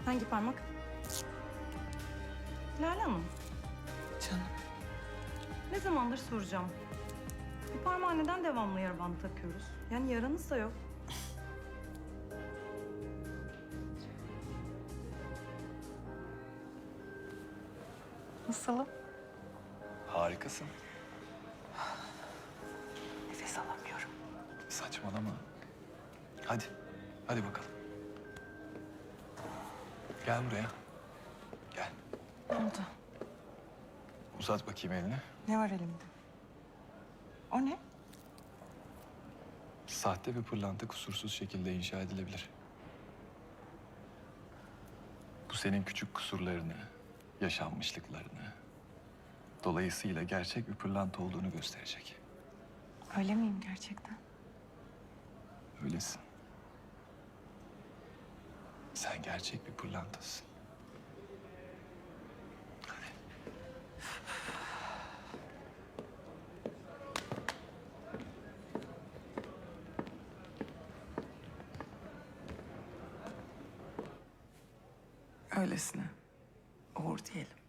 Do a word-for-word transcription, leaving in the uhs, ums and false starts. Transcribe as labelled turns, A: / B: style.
A: Hangi parmak? Lale Hanım,
B: Canım.
A: ne zamandır soracağım. Bu parmağa neden devamlı yara bandı takıyoruz? Yani yaranız da yok.
B: Nasılım?
C: Harikasın.
B: Nefes alamıyorum.
C: Saçmalama. Hadi. Hadi bakalım. Gel buraya. Gel.
B: Ne oldu?
C: Uzat bakayım elini.
B: Ne var elimde? O ne?
C: Sahte bir pırlanta kusursuz şekilde inşa edilebilir. Bu senin küçük kusurlarını, yaşanmışlıklarını, dolayısıyla gerçek bir pırlanta olduğunu gösterecek.
B: Öyle miyim gerçekten?
C: Öylesin. Sen gerçek bir pırlantasın. Hadi.
B: Öylesine. Uğur diyelim.